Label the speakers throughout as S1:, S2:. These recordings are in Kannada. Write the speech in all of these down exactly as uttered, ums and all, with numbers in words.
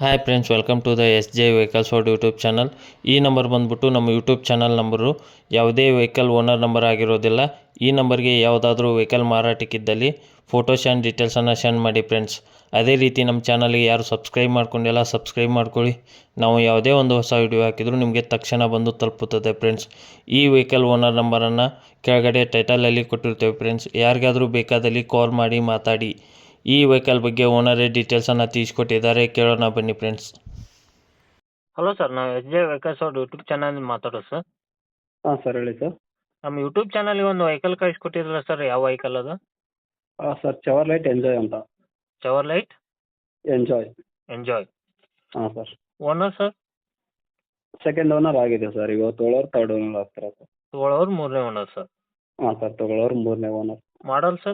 S1: Hi friends, welcome to the S J vehicles world YouTube channel. ಈ ನಂಬರ್ ಬಂದುಬಿಟ್ಟು ನಮ್ಮ ಯೂಟ್ಯೂಬ್ ಚಾನಲ್ ನಂಬರು. ಯಾವುದೇ ವೆಹಿಕಲ್ ಓನರ್ ನಂಬರ್ ಆಗಿರೋದಿಲ್ಲ. ಈ ನಂಬರ್ಗೆ ಯಾವುದಾದ್ರೂ ವೆಹಿಕಲ್ ಮಾರಾಟಕ್ಕಿದ್ದಲ್ಲಿ ಫೋಟೋಸ್ ಆ್ಯಂಡ್ ಡೀಟೇಲ್ಸನ್ನು ಸೆಂಡ್ ಮಾಡಿ ಫ್ರೆಂಡ್ಸ್. ಅದೇ ರೀತಿ ನಮ್ಮ ಚಾನಲ್ಗೆ ಯಾರು ಸಬ್ಸ್ಕ್ರೈಬ್ ಮಾಡ್ಕೊಂಡಿಲ್ಲ ಸಬ್ಸ್ಕ್ರೈಬ್ ಮಾಡ್ಕೊಳ್ಳಿ. ನಾವು ಯಾವುದೇ ಒಂದು ಹೊಸ ವಿಡಿಯೋ ಹಾಕಿದರೂ ನಿಮಗೆ ತಕ್ಷಣ ಬಂದು ತಲುಪುತ್ತದೆ ಫ್ರೆಂಡ್ಸ್. ಈ ವೆಹಿಕಲ್ ಓನರ್ ನಂಬರನ್ನು ಕೆಳಗಡೆ ಟೈಟಲಲ್ಲಿ ಕೊಟ್ಟಿರ್ತೇವೆ ಫ್ರೆಂಡ್ಸ್. ಯಾರಿಗಾದರೂ ಬೇಕಾದಲ್ಲಿ ಕಾಲ್ ಮಾಡಿ ಮಾತಾಡಿ. ಈ ವೆಹಿಕಲ್ ಬಗ್ಗೆ ಓನರೇ ಡೀಟೇಲ್ಸನ್ನು ತಿಳಿಸ್ಕೊಟ್ಟಿದ್ದಾರೆ, ಕೇಳೋಣ ಬನ್ನಿ ಫ್ರೆಂಡ್ಸ್.
S2: ಹಲೋ ಸರ್, ನಾವು ಎಸ್ ಜೆ ವೆಹಿಕಲ್ಸ್ ಅವ್ರ ಯೂಟ್ಯೂಬ್ ಚಾನಲ್ ಮಾತಾಡೋದು ಸರ್.
S3: ಹಾಂ ಸರ್, ಹೇಳಿ ಸರ್.
S2: ನಮ್ಮ ಯೂಟ್ಯೂಬ್ ಚಾನಲ್ಗೆ ಒಂದು ವೆಹಿಕಲ್ ಕಳಿಸ್ಕೊಟ್ಟಿದ್ರಲ್ಲ ಸರ್, ಯಾವ ವೆಹಿಕಲ್ ಅದು?
S3: ಹಾಂ ಸರ್, ಚವರ್ಲೈಟ್ ಎಂಜಾಯ್ ಅಂತ.
S2: Chevrolet
S3: Enjoy.
S2: ಎಂಜಾಯ್.
S3: ಹಾಂ sir.
S2: Owner sir?
S3: Second owner ಆಗಿದೆ ಸರ್. ಇವತ್ತು ತೊಗೊಳೋರು ತರ್ಡ್ ಓನರ್ ಆಗ್ತಾರೆ ಸರ್.
S2: ತೊಗೊಳೋರು ಮೂರನೇ ಓನರ್ ಸರ್.
S3: ಹಾಂ ಸರ್, ತೊಗೊಳೋರು ಮೂರನೇ owner.
S2: Model sir?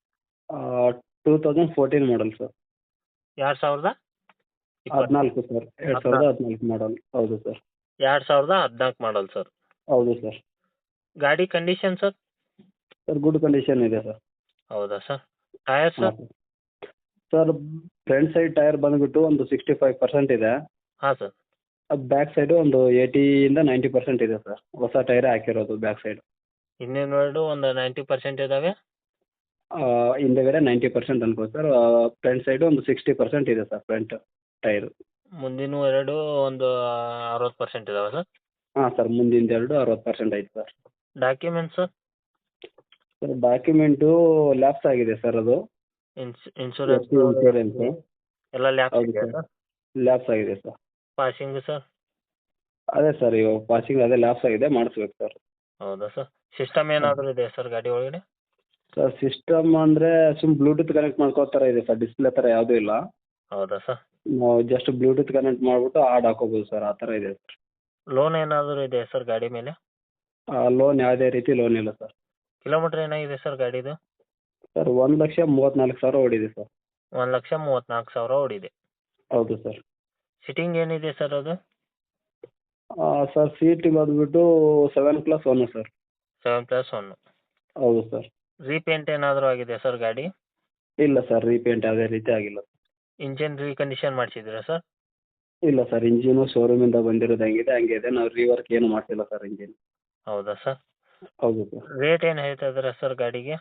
S3: Two thousand fourteen model sir.
S2: ಎರಡು ಸಾವಿರದ
S3: ಹದಿನಾಲ್ಕು ಸರ್, ಎರಡು ಸಾವಿರದ ಹದಿನಾಲ್ಕು ಮಾಡಲ್. ಹೌದು ಸರ್.
S2: ಎರಡು ಸಾವಿರದ ಹದಿನಾಲ್ಕು ಮಾಡಲ್ ಸರ್.
S3: ಹೌದು ಸರ್.
S2: ಗಾಡಿ condition sir?
S3: Sir, good condition ಇದೆ ಸರ್.
S2: ಹೌದಾ sir? Tyre sir?
S3: Sir, front side tyre ಬಂದುಬಿಟ್ಟು ಒಂದು ಸಿಕ್ಸ್ಟಿ ಫೈವ್ ಪರ್ಸೆಂಟ್ ಇದೆ.
S2: ಹಾಂ ಸರ್.
S3: ಅದು ಬ್ಯಾಕ್ ಸೈಡು ಒಂದು ಏಯ್ಟಿಯಿಂದ ನೈಂಟಿ ಪರ್ಸೆಂಟ್ ಇದೆ ಸರ್. ಹೊಸ ಟೈರೇ ಹಾಕಿರೋದು ಬ್ಯಾಕ್ ಸೈಡ್.
S2: ಇನ್ನೇನು ಒಂದು ನೈಂಟಿ ಪರ್ಸೆಂಟ್ ಇದ್ದಾವೆ.
S3: ಹಿಂದೆಗಡೆ ನೈಂಟಿ ಪರ್ಸೆಂಟ್ ಅನ್ಕೋ ಸರ್. ಫ್ರಂಟ್ ಸೈಡು ಒಂದು ಸಿಕ್ಸ್ಟಿ ಪರ್ಸೆಂಟ್ ಇದೆ ಸರ್ ಫ್ರಂಟ್ ಟೈರು.
S2: ಮುಂದಿನ ಎರಡು ಒಂದು ಅರವತ್ತು ಪರ್ಸೆಂಟ್ ಇದಾವೆ ಸರ್.
S3: ಹಾಂ ಸರ್, ಮುಂದಿನ ಎರಡು ಅರವತ್ತು ಪರ್ಸೆಂಟ್ ಐತೆ sir.
S2: Documents sir?
S3: Sir, document lapse ಆಗಿದೆ ಸರ್. ಅದು
S2: ಇನ್ಸ್ ಇನ್ಶೂರೆನ್ಸ್
S3: ಇನ್ಶೂರೆನ್ಸು
S2: ಎಲ್ಲ ಲ್ಯಾಪ್ಸ್
S3: ಹೌದು
S2: ಇದೆಯಾ
S3: ಸರ್.
S2: ಸರ್?
S3: ಲ್ಯಾಪ್ಸ್ ಆಗಿದೆ ಸರ್.
S2: Passing sir?
S3: ಅದೇ ಸರ್, ಇವಾಗ ಪಾಸಿಂಗ್ ಅದೇ ಲ್ಯಾಪ್ಸ್ ಆಗಿದೆ, ಮಾಡಿಸ್ಬೇಕು ಸರ್.
S2: ಹೌದಾ ಸರ್? ಸಿಸ್ಟಮ್ ಏನಾದರೂ ಇದೆ ಸರ್ ಗಾಡಿ ಒಳಗಡೆ?
S3: ಸರ್, ಸಿಸ್ಟಮ್ ಅಂದರೆ ಸುಮ್ಮ ಬ್ಲೂಟೂತ್ ಕನೆಕ್ಟ್ ಮಾಡ್ಕೋ ಥರ ಇದೆ ಸರ್. ಡಿಸ್ಪ್ಲೇ ಥರ ಯಾವುದೂ ಇಲ್ಲ.
S2: ಹೌದಾ ಸರ್?
S3: ನಾವು ಜಸ್ಟ್ ಬ್ಲೂಟೂತ್ ಕನೆಕ್ಟ್ ಮಾಡಿಬಿಟ್ಟು ಹಾಡ್ ಹಾಕೋಬೋದು ಸರ್, ಆ ಥರ ಇದೆ ಸರ್.
S2: ಲೋನ್ ಏನಾದರೂ ಇದೆ ಸರ್ ಗಾಡಿ ಮೇಲೆ?
S3: ಲೋನ್ ಯಾವುದೇ ರೀತಿ ಲೋನ್ ಇಲ್ಲ ಸರ್.
S2: ಕಿಲೋಮೀಟ್ರ್ ಏನಾಗಿದೆ ಸರ್ ಗಾಡಿದು?
S3: ಸರ್, ಒಂದು ಲಕ್ಷ ಮೂವತ್ತ್ನಾಲ್ಕು ಸಾವಿರ ಓಡಿದೆ ಸರ್.
S2: ಒಂದು ಲಕ್ಷ ಮೂವತ್ತ್ನಾಲ್ಕು ಸಾವಿರ ಓಡಿದೆ.
S3: ಹೌದು ಸರ್.
S2: ಸಿಟ್ಟಿಂಗ್ ಏನಿದೆ ಸರ್ ಅದು?
S3: ಸರ್, ಸೀಟ್ ಬಂದುಬಿಟ್ಟು seven plus one sir.
S2: Seven plus one.
S3: ಹೌದು ಸರ್.
S2: ರೀಪೇಂಟ್ ಏನಾದರೂ ಆಗಿದೆ ಸರ್ ಗಾಡಿ?
S3: ಇಲ್ಲ ಸರ್, ರೀಪೇಂಟ್ ಯಾವುದೇ ರೀತಿ ಆಗಿಲ್ಲ.
S2: ಇಂಜಿನ್ ರೀಕಂಡೀಷನ್ ಮಾಡಿಸಿದ್ದೀರಾ ಸರ್?
S3: ಇಲ್ಲ ಸರ್, ಇಂಜಿನು ಶೋರೂಮಿಂದ ಬಂದಿರೋದು ಹೆಂಗಿದೆ ಹಂಗೆ ಇದೆ. ನಾವು ರೀವರ್ಕ್ ಏನು ಮಾಡ್ತಿಲ್ಲ ಸರ್ ಇಂಜಿನ್.
S2: ಹೌದಾ ಸರ್?
S3: ಹೌದು ಸರ್.
S2: ರೇಟ್ ಏನು ಹೇಳ್ತಾ ಇದ್ದೀರಾ ಸರ್ ಗಾಡಿಗೆ?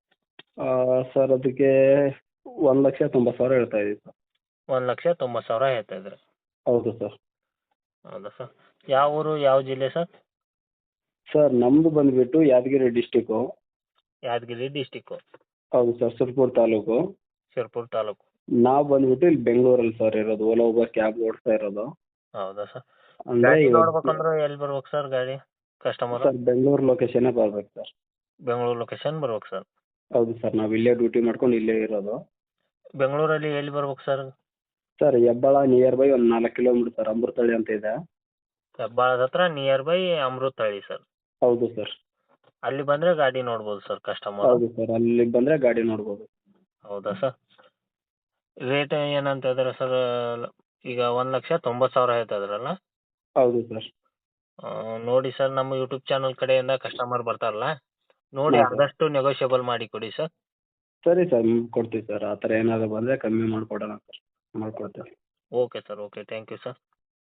S3: ಸರ್, ಅದಕ್ಕೆ ಒಂದು ಲಕ್ಷ ತೊಂಬತ್ತು ಸಾವಿರ ಹೇಳ್ತಾ ಇದ್ದೀವಿ ಸರ್.
S2: ಒಂದು ಲಕ್ಷ ತೊಂಬತ್ತು ಸಾವಿರ ಹೇಳ್ತಾ ಇದ್ದೀರಾ?
S3: ಹೌದು ಸರ್.
S2: ಹೌದಾ ಸರ್? ಯಾವ ಊರು ಯಾವ ಜಿಲ್ಲೆ ಸರ್?
S3: ಸರ್, ನಮ್ಮದು ಬಂದುಬಿಟ್ಟು ಯಾದಗಿರಿ ಡಿಸ್ಟಿಕ್ಕು.
S2: ಯಾದಗಿರಿ ಡಿಸ್ಟಿಕ್ಕು.
S3: ಹೌದು ಸರ್, ಸುರ್ಪುರ ತಾಲೂಕು.
S2: ಶಿರ್ಪುರ ತಾಲೂಕು.
S3: ನಾವು ಬಂದುಬಿಟ್ಟು ಇಲ್ಲಿ ಬೆಂಗಳೂರಲ್ಲಿ ಸರ್ ಇರೋದು. ಓಲಾ ಊಬರ್ ಕ್ಯಾಬ್ ಓಡಿಸ್ತಾ ಇರೋದು.
S2: ಹೌದಾ ಸರ್?
S3: ಅಂದರೆ
S2: ಗಾಡಿ
S3: ಇವಾಗ
S2: ನೋಡ್ಬೇಕಂದ್ರೆ ಎಲ್ಲಿ ಬರ್ಬೇಕು ಸರ್ ಗಾಡಿ ಕಸ್ಟಮರ್?
S3: ಸರ್, ಬೆಂಗಳೂರು ಲೊಕೇಶನ್ನೇ ಬರ್ಬೇಕು ಸರ್.
S2: ಬೆಂಗಳೂರು ಲೊಕೇಶನ್ ಬರ್ಬೇಕು ಸರ್.
S3: ಹೌದು ಸರ್, ನಾವು ಇಲ್ಲೇ ಡ್ಯೂಟಿ ಮಾಡ್ಕೊಂಡು ಇಲ್ಲೇ ಇರೋದು.
S2: ಬೆಂಗಳೂರಲ್ಲಿ ಎಲ್ಲಿ ಬರ್ಬೇಕು sir?
S3: Sir, Hebbal near by ಒಂದು ನಾಲ್ಕು ಕಿಲೋಮೀಟರ್ ಸರ್. ಅಮೃತಹಳ್ಳಿ ಅಂತ ಇದೆ.
S2: ಹೆಬ್ಬಾಳದ ಹತ್ರ ನಿಯರ್ ಬೈ ಅಮೃತಹಳ್ಳಿ ಸರ್.
S3: ಹೌದು ಸರ್.
S2: ಅಲ್ಲಿ ಬಂದರೆ ಗಾಡಿ ನೋಡ್ಬೋದು ಸರ್ ಕಸ್ಟಮರ್?
S3: ಹೌದು ಸರ್, ಅಲ್ಲಿ ಬಂದರೆ ಗಾಡಿ ನೋಡ್ಬೋದು.
S2: ಹೌದಾ ಸರ್? ರೇಟ್ ಏನಂತ ಇದ್ದಾರೆ ಸರ್? ಈಗ ಒಂದು ಲಕ್ಷ ತೊಂಬತ್ತು ಸಾವಿರ ಹೇಳ್ತಾ ಇದ್ರಲ್ಲ?
S3: ಹೌದು ಸರ್.
S2: ನೋಡಿ ಸರ್, ನಮ್ಮ ಯೂಟ್ಯೂಬ್ ಚಾನಲ್ ಕಡೆಯಿಂದ ಕಸ್ಟಮರ್ ಬರ್ತಾರಲ್ಲ, ನೋಡಿ
S3: ಹಾಂ ಸರ್.
S2: ಆದಷ್ಟು ನೆಗೋಷಿಯಬಲ್ ಮಾಡಿ ಕೊಡಿ ಸರ್.
S3: ಸರಿ ಸರ್, ಕೊಡ್ತೀವಿ ಸರ್. ಆ ಥರ ಏನಾದರೂ ಬಂದರೆ ಕಮ್ಮಿ ಮಾಡಿಕೊಡೋಣ ಸರ್, ಮಾಡ್ಕೊಡ್ತೇವೆ.
S2: Okay sir, okay, thank you sir.